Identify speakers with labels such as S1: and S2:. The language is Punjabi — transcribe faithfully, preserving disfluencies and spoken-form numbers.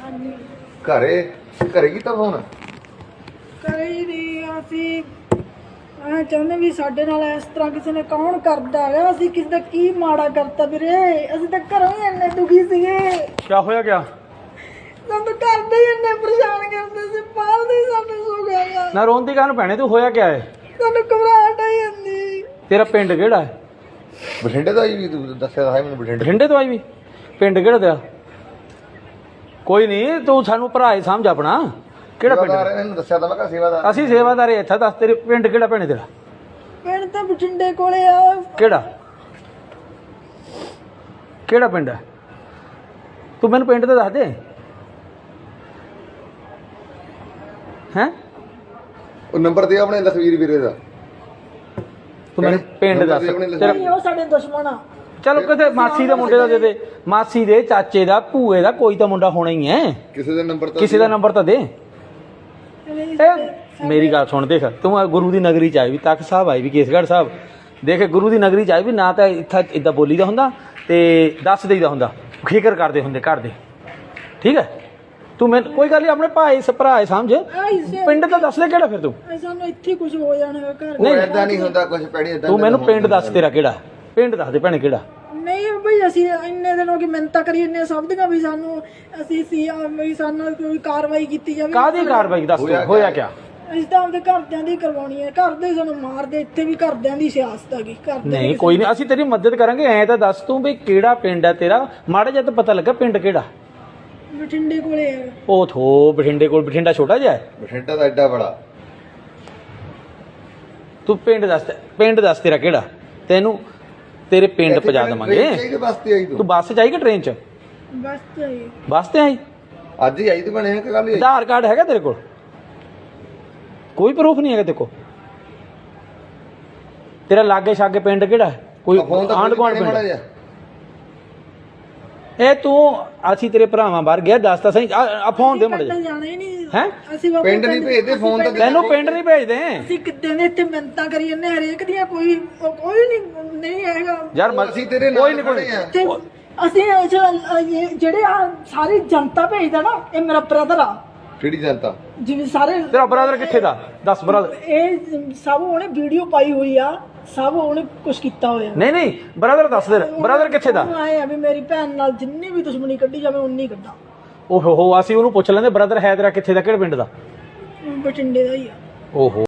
S1: ਘਰੇ ਘਰੇ ਕੀਤਾ ਫੋਨ?
S2: ਕਰੇ ਹੀ ਨਹੀਂ ਅਸੀਂ ਆ ਚਾਹੁੰਦੇ ਵੀ ਸਾਡੇ ਨਾਲ ਇਸ ਤਰ੍ਹਾਂ ਕਿਸੇ ਨੇ ਕੌਣ ਕਰਦਾ ਹੈ। ਅਸੀਂ ਕਿਸੇ ਦਾ ਕੀ ਮਾੜਾ ਕਰਤਾ ਵੀਰੇ, ਅਸੀਂ ਤਾਂ ਘਰੋਂ ਹੀ ਇੰਨੇ ਦੁਖੀ ਸੀਗੇ।
S3: क्या होया क्या
S2: ਸਾਨੂੰ ਤਾਂ ਘਰ ਦੇ ਹੀ ਇੰਨੇ ਪਰੇਸ਼ਾਨ ਕਰਦੇ ਸੀ, ਬਾਹਰ ਦੇ ਸਾਨੂੰ ਸੋ ਗਿਆ।
S3: ना रोंदी काहनू भैने तू होया क्या है?
S2: ਸਾਨੂੰ ਘਬਰਾਹਟ ਆਈ ਜਾਂਦੀ।
S3: तेरा पिंड केड़ा है?
S1: ਬਠਿੰਡੇ ਤੋਂ ਆਈ ਵੀ ਤੂੰ ਦੱਸਿਆ ਤਾਂ ਹੈ ਮੈਨੂੰ ਬਠਿੰਡੇ।
S3: बठिंडे तो आई भी पिंड केड़ा तेरा? कोई नहीं तू सानू भरा ही समझ अपना केड़ा पिंड?
S1: ਇਹਨੂੰ ਦੱਸਿਆ ਤਾਂ ਮੈਂ ਕਿਹਾ ਸੇਵਾਦਾਰ
S3: ਅਸੀਂ ਸੇਵਾਦਾਰ ਇੱਥੇ ਦੱਸ ਤੇਰੇ ਪਿੰਡ ਕਿਹੜਾ ਭੈਣੇ ਤੇਰਾ?
S2: ਪਿੰਡ ਤਾਂ ਬਠਿੰਡੇ ਕੋਲੇ ਆ।
S3: ਕਿਹੜਾ ਕਿਹੜਾ ਪਿੰਡ ਹੈ? ਤੂੰ ਮੈਨੂੰ ਪਿੰਡ ਤੇ ਦੱਸ ਦੇ ਹੈ।
S1: ਉਹ ਨੰਬਰ ਦੇ ਆਪਣੇ ਲਖਵੀਰ ਵੀਰੇ ਦਾ।
S3: ਤੂੰ ਮੈਨੂੰ ਪਿੰਡ ਦੱਸ ਤੇਰਾ।
S2: ਨਹੀਂ ਉਹ ਸਾਡੇ ਦੁਸ਼ਮਣ ਆ।
S3: ਚਲੋ ਕਿਤੇ ਮਾਸੀ ਦੇ ਮੁੰਡੇ ਦਾ ਦੇ ਦੇ, ਮਾਸੀ ਦੇ ਚਾਚੇ ਦਾ ਭੂਏ ਦਾ ਕੋਈ ਤਾਂ ਮੁੰਡਾ ਹੋਣਾ ਹੀ ਹੈ।
S1: ਕਿਸੇ ਦਾ ਨੰਬਰ ਤਾਂ
S3: ਕਿਸੇ ਦਾ ਨੰਬਰ ਤਾਂ ਦੇ। ਇਹ ਮੇਰੀ ਗੱਲ ਸੁਣ, ਦੇਖ ਤੂੰ ਗੁਰੂ ਦੀ ਨਗਰੀ ਚ ਆਈ ਵੀ, ਤਖਤ ਸਾਹਿਬ ਆਈ ਵੀ, ਕੇਸਗੜ੍ਹ ਸਾਹਿਬ ਦੇਖ ਗੁਰੂ ਦੀ ਨਗਰੀ ਚ ਆਈ ਵੀ ਨਾ ਤਾਂ ਇੱਥੇ ਇਦਾਂ ਬੋਲੀ ਦਾ ਹੁੰਦਾ ਤੇ ਦੱਸ ਦੇਈਦਾ ਹੁੰਦਾ, ਫਿਕਰ ਕਰਦੇ ਹੁੰਦੇ ਘਰ ਦੇ। ਠੀਕ ਹੈ ਤੂੰ ਮੈਨੂੰ ਕੋਈ ਗੱਲ ਨਹੀਂ ਆਪਣੇ ਭਾਈ ਭਰਾ ਸਮਝ, ਪਿੰਡ ਤਾਂ ਦੱਸ ਲੈ ਕਿਹੜਾ ਫਿਰ ਤੂੰ।
S2: ਸਾਨੂੰ ਇੱਥੇ ਕੁਝ ਹੋ ਜਾਣਾ ਘਰ।
S1: ਨਹੀਂ ਏਦਾਂ ਨਹੀਂ ਹੁੰਦਾ ਕੁਝ ਪੈੜੀ ਏਦਾਂ।
S3: ਤੂੰ ਮੈਨੂੰ ਪਿੰਡ ਦੱਸ ਤੇਰਾ ਕਿਹੜਾ ਪਿੰਡ, ਦੱਸ ਦੇ ਭੈਣੇ ਕਿਹੜਾ।
S2: ਨਹੀਂ ਬਈ ਅਸੀਂ ਇੰਨੇ ਦਿਨ ਹੋ ਗਏ ਮਿੰਨਤਾਂ ਕਰੀ ਇੰਨੇ ਸਭ ਦੀਆਂ ਵੀ ਸਾਨੂੰ ਅਸੀਂ ਸੀ ਵੀ ਸਾਨੂੰ ਕੋਈ ਕਾਰਵਾਈ ਕੀਤੀ ਜਾਵੇ।
S3: ਕਾਹਦੀ ਕਾਰਵਾਈ ਦੱਸ ਤੂੰ, ਹੋਇਆ ਕਿਆ?
S2: ਅਸੀਂ ਤਾਂ ਆਪਦੇ ਘਰਦਿਆਂ ਦੀ ਕਰਵਾਉਣੀ ਹੈ, ਘਰ ਦੇ ਸਾਨੂੰ ਮਾਰਦੇ, ਇੱਥੇ ਵੀ ਘਰਦਿਆਂ ਦੀ ਸਿਆਸਤ ਹੈਗੀ। ਘਰ
S3: ਨਹੀਂ ਕੋਈ ਨਹੀਂ ਅਸੀਂ ਤੇਰੀ ਮਦਦ ਕਰਾਂਗੇ। ਐਂ ਤਾਂ ਦੱਸ ਤੂੰ ਵੀ ਕਿਹੜਾ ਪਿੰਡ ਹੈ ਤੇਰਾ, ਮਾੜਾ ਜਿਹਾ ਤਾਂ ਪਤਾ ਲੱਗਾ ਪਿੰਡ ਕਿਹੜਾ।
S2: ਬਠਿੰਡੇ ਕੋਲੇ ਹੈ।
S3: ਉਹ ਥੋ ਬਠਿੰਡੇ ਕੋਲ, ਬਠਿੰਡਾ ਛੋਟਾ ਜਿਹਾ ਹੈ।
S1: ਬਠਿੰਡਾ ਦਾ ਐਡਾ ਬੜਾ।
S3: ਤੂੰ ਪਿੰਡ ਦੱਸ, ਪਿੰਡ ਦੱਸ ਤੇਰਾ ਕਿਹੜਾ, ਤੈਨੂੰ ਤੇਰੇ ਪਿੰਡ ਪਹੁੰਚਾ ਦੇਵਾਂਗੇ। ਤੂੰ ਬੱਸ ਚ ਆਈ ਕਿ ਟ੍ਰੇਨ ਚ?
S2: ਬਸ ਤੇ ਆਈ।
S3: ਬੱਸ ਤੇ ਆਈ?
S1: ਅੱਜ ਹੀ ਆਈ ਤੇ ਬਣੇ ਕਿ ਕੱਲ ਹੀ?
S3: ਆਧਾਰ ਕਾਰਡ ਹੈਗਾ ਤੇਰੇ ਕੋਲ? ਕੋਈ ਪ੍ਰੂਫ ਨਹੀਂ ਹੈਗਾ ਤੇਰੇ ਕੋਲ? ਤੇਰਾ ਲਾਗੇ ਛਾਗੇ ਪਿੰਡ ਕਿਹੜਾ? ਕੋਈ ਆਂਢ ਗੁਆਂਢ ਪਿੰਡ? ਇਹ ਤੂੰ ਅਸੀਂ ਤੇਰੇ ਭਰਾਵਾਂ ਬਾਹਰ ਗਿਆ ਦੱਸ ਤਾਂ ਸਹੀ, ਆ ਫੋਨ ਦੇ ਮੁੰਡੇ
S2: ਜਾਣਾ ਹੀ ਨਹੀਂ
S3: ਹੈ।
S2: ਅਸੀਂ
S1: ਪਿੰਡ ਨਹੀਂ ਭੇਜਦੇ, ਫੋਨ ਤਾਂ
S3: ਤੈਨੂੰ ਪਿੰਡ ਨਹੀਂ ਭੇਜਦੇ।
S2: ਅਸੀਂ ਕਿੱਦਾਂ ਦੇ ਇੱਥੇ ਮਿੰਨਤਾਂ ਕਰੀ ਜੰਨੇ ਹਰੇਕ ਦੀਆਂ, ਕੋਈ ਕੋਈ ਨਹੀਂ ਨਹੀਂ ਹੈਗਾ
S3: ਯਾਰ
S1: ਅਸੀਂ ਤੇਰੇ
S3: ਕੋਈ
S1: ਨਾਲ
S3: ਨਹੀਂ
S1: ਖੜੇ ਆ।
S2: ਤੇ ਅਸੀਂ ਇਹ ਜੋ- ਇਹ ਜਿਹੜੇ ਆ ਸਾਰੀ ਜਨਤਾ ਭੇਜਦਾ ਨਾ, ਇਹ ਮੇਰਾ ਬ੍ਰਦਰ ਆ।
S1: ਕਿਹੜੀ ਜਨਤਾ?
S2: ਜਿਵੇਂ ਸਾਰੇ
S3: ਤੇਰਾ ਬ੍ਰਦਰ ਕਿੱਥੇ ਦਾ ਦੱਸ ਬ੍ਰਦਰ।
S2: ਇਹ ਸਭ ਉਹਨੇ ਵੀਡੀਓ ਪਾਈ ਹੋਈ ਆ, ਸਭ ਉਹਨੇ ਕੁਝ ਕੀਤਾ ਹੋਇਆ।
S3: ਨਹੀਂ ਨਹੀਂ ਬ੍ਰਦਰ ਦੱਸ ਦੇ, ਬ੍ਰਦਰ ਕਿੱਥੇ ਦਾ?
S2: ਆਏ ਆ ਵੀ ਮੇਰੀ ਭੈਣ ਨਾਲ ਜਿੰਨੀ ਵੀ ਦੁਸ਼ਮਣੀ ਕੱਢੀ ਜਾਵੇ ਉਨੀ ਕੱਢਾਂ।
S3: ਓਹੋ ਹੋ ਅਸੀਂ ਉਹਨੂੰ ਪੁੱਛ ਲੈਂਦੇ ਬ੍ਰਦਰ ਹੈ ਤੇਰਾ ਕਿੱਥੇ ਦਾ, ਕਿਹੜੇ ਪਿੰਡ ਦਾ?
S2: ਬਠਿੰਡੇ ਦਾ ਹੀ ਆ।
S3: ਓਹੋ